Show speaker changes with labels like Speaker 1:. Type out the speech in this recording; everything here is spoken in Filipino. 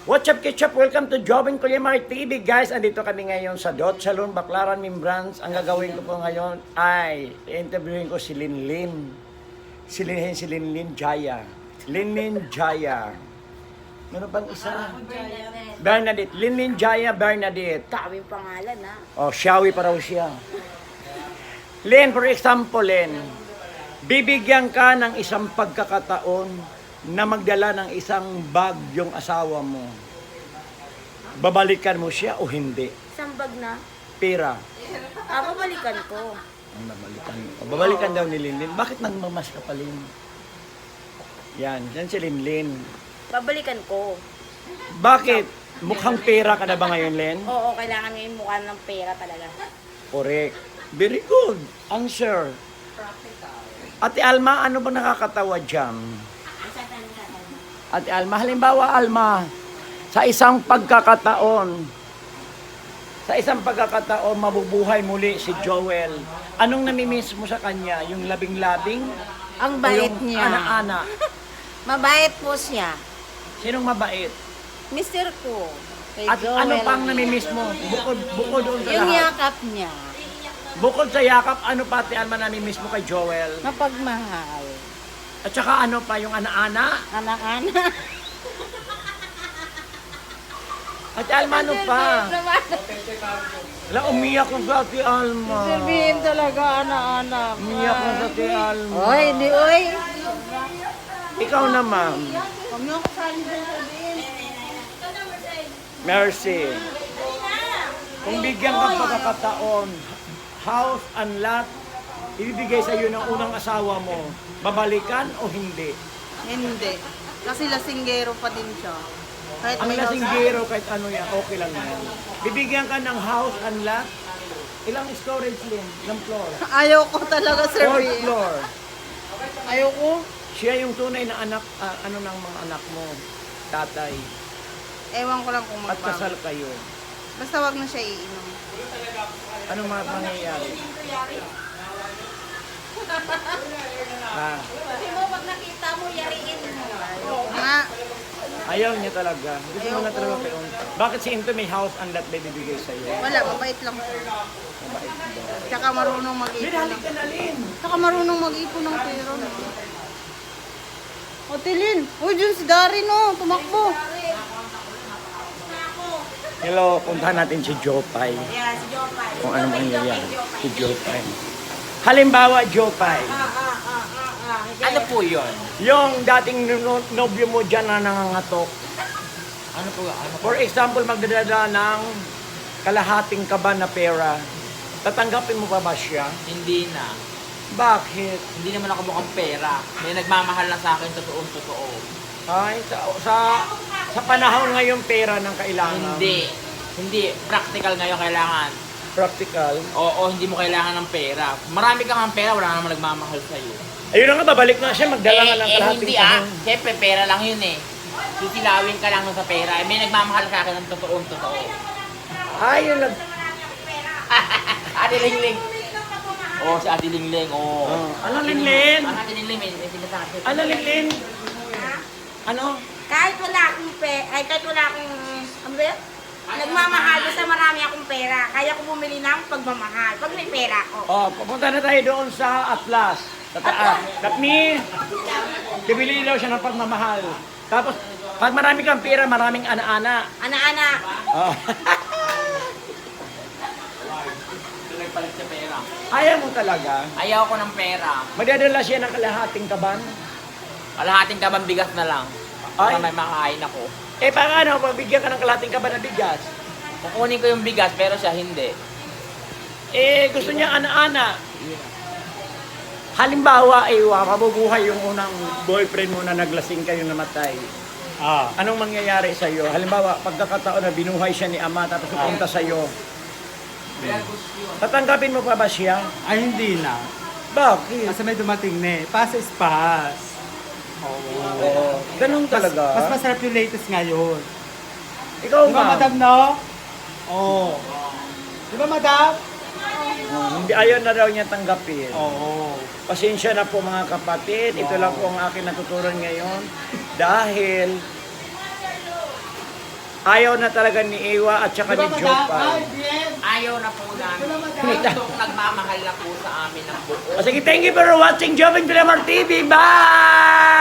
Speaker 1: What's up, Ketchup? Welcome to Jobin Kulimar TV, guys. Andito kami ngayon sa Dot Salon, Baclaran, Membrance. Ang gagawin ko po ngayon ay interviewin ko si Linlin. Si Linlin Jaya. Linlin Jaya. Meron bang isa? Bernadette. Linlin Jaya Bernadette.
Speaker 2: Kaming pangalan, ha?
Speaker 1: Oh, Shawi pa raw siya. Len, for example, Len, bibigyan ka ng isang pagkakataon na magdala ng isang bag yung asawa mo. Babalikan mo siya o hindi?
Speaker 2: Isang bag na.
Speaker 1: Pera.
Speaker 2: Babalikan ko.
Speaker 1: Ang babalikan mo. Babalikan daw ni Linlin. Bakit nagmamas ka pa, Lin? Yan si Linlin.
Speaker 2: Babalikan ko.
Speaker 1: Bakit? Mukhang pera ka na ba ngayon, Len?
Speaker 2: Oo, kailangan ngayon mukha ng pera talaga.
Speaker 1: Correct. Very good. Answer. Ate Alma, ano ba nakakatawa dyan? Ate Alma, halimbawa Alma, sa isang pagkakataon, mabubuhay muli si Joel. Anong namimiss mo sa kanya? Yung labing-labing?
Speaker 2: Ang
Speaker 1: O
Speaker 2: bait
Speaker 1: yung
Speaker 2: niya.
Speaker 1: ana-ana?
Speaker 2: Mabait po siya.
Speaker 1: Sinong mabait?
Speaker 2: Mister ko. Kay
Speaker 1: At
Speaker 2: Joel.
Speaker 1: ano pang namimiss mo? Bukod doon sa
Speaker 2: Yung
Speaker 1: lahat.
Speaker 2: yakap niya.
Speaker 1: Bukod sa yakap, ano pa Ate Alma namimiss mo kay Joel?
Speaker 2: Mapagmahal.
Speaker 1: At saka ano pa, yung ana-ana?
Speaker 2: Anak-anak.
Speaker 1: Ate Alma, ano pa? Wala, umiyak ko sa Ate Alma.
Speaker 2: Sabihin talaga, anak-anak.
Speaker 1: Umiyak ko sa Ate Alma.
Speaker 2: Oy, di oy.
Speaker 1: Ikaw naman.
Speaker 2: Huwag niyo ako sabihin.
Speaker 1: Mercy. Kung bigyan ka pagkakataon, house and lot, ibibigay sa iyo ng unang asawa mo, babalikan o hindi?
Speaker 3: Hindi. Kasi lasinggero pa din siya. Kahit
Speaker 1: Ang
Speaker 3: may house-
Speaker 1: lasinggero, kahit ano yan, okay lang yan. Bibigyan ka ng house and lot, ilang storage din, ilang floor?
Speaker 3: Ayaw ko talaga, Sir
Speaker 1: Fourth
Speaker 3: B.
Speaker 1: floor.
Speaker 3: Ayaw ko.
Speaker 1: Siya yung tunay na anak, ano ng mga anak mo, tatay.
Speaker 3: Ewan ko lang kung
Speaker 1: At
Speaker 3: magbago.
Speaker 1: kasal kayo.
Speaker 3: Basta wag na siya iinom.
Speaker 1: Anong mga mangyayari? Ha?
Speaker 2: Kasi mo, pag nakita mo, yariin mo.
Speaker 3: Nga,
Speaker 1: Ayaw niya talaga. Gusto mo na talaga kayo. Bakit si Into may house and lot na bibigay sa iyo?
Speaker 3: wala. Mabait lang. Tsaka marunong mag-ipon.
Speaker 1: Halik ka na, Lin.
Speaker 3: Tsaka marunong mag-ipon ng pera. O, Tilin. Uy, dyan si Darin, oh. Tumakbo.
Speaker 1: Hello, puntahan natin si Jopay.
Speaker 2: Yeah, si Jopay.
Speaker 1: Kung ano mangyayari. Si Jopay. Halimbawa, Jopay.
Speaker 4: Ano po yun?
Speaker 1: Yung dating nobyo mo dyan na nangangatok.
Speaker 4: Ano po? Ano po?
Speaker 1: For example, magdadala ng kalahating kaban na pera. Tatanggapin mo pa ba siya?
Speaker 4: Hindi na.
Speaker 1: Bakit?
Speaker 4: Hindi naman ako mukhang pera. May nagmamahal na sa akin, totoo.
Speaker 1: Ay, sa panahon ngayon pera ng kailangan.
Speaker 4: Hindi. Practical ngayon kailangan.
Speaker 1: Practical.
Speaker 4: Oo, hindi mo kailangan ng pera. Marami kang ang pera, wala naman nagmamahal sa'yo.
Speaker 1: Ayun na nga, babalik na siya, magdala nga ng kalahating
Speaker 4: Hindi
Speaker 1: kaban.
Speaker 4: Siyempre, pera lang yun eh. Sisilawin ka lang sa pera. May nagmamahal sa akin ng totoo.
Speaker 1: Ayun nag...
Speaker 4: Ate Lingling. Oo, si Ate Lingling. Oo.
Speaker 1: Ano, Linlin?
Speaker 4: Ang Ate Lingling, may sinasabi.
Speaker 1: Ano, Linlin? Ano?
Speaker 2: Kahit wala akong kahit wala akong, ano ba yun? Nagmamahal, basta marami akong pera. Kaya ko bumili ng pagmamahal. Pag may pera ako.
Speaker 1: Oh, pupunta na tayo doon sa Atlas. Sa taas. That means, bibili daw siya ng pagmamahal. Tapos, pag marami kang pera, maraming ana-ana.
Speaker 2: Anak-anak.
Speaker 1: Oh.
Speaker 4: Nagpalit sa pera.
Speaker 1: Ayaw mo talaga.
Speaker 4: Ayaw ko ng pera.
Speaker 1: Magdadala siya ng kalahating kaban.
Speaker 4: Kalahating kabang bigas na lang. Para
Speaker 1: Ay.
Speaker 4: may makain ako.
Speaker 1: Eh, paano? Pabigyan ka ng kalahating kaban na bigas.
Speaker 4: Kukunin ko yung bigas, pero siya hindi.
Speaker 1: Eh, gusto niya ana-ana. Halimbawa, mabubuhay yung unang boyfriend mo na naglasing kayo namatay. Anong mangyayari sa iyo? Halimbawa, pagkakataon na binuhay siya ni ama tapos pupunta sa iyo. Tatanggapin mo pa ba siya?
Speaker 5: Ay, hindi na.
Speaker 1: Bakit?
Speaker 5: Kasi may dumating na eh. Pass is pass.
Speaker 1: Oo. Ganun talaga.
Speaker 5: Mas masarap yung latest ngayon.
Speaker 1: Ikaw
Speaker 5: Di ba,
Speaker 1: ba?
Speaker 5: madam, no? Oo. Di ba, madam?
Speaker 1: Hindi, ayaw na daw niya tanggapin.
Speaker 5: Oo.
Speaker 1: Pasensya na po mga kapatid. Ito lang po ang akin natutunan ngayon. Dahil Ayaw na talaga ni Iwa at saka
Speaker 5: Di ba,
Speaker 1: ni
Speaker 5: madam?
Speaker 1: Jopay.
Speaker 5: Ay, BM!
Speaker 4: Ayaw na po namin. Gustong nagmamahal na po sa amin ng buo.
Speaker 1: Sige, thank you for watching Jovin Villamar TV. Bye!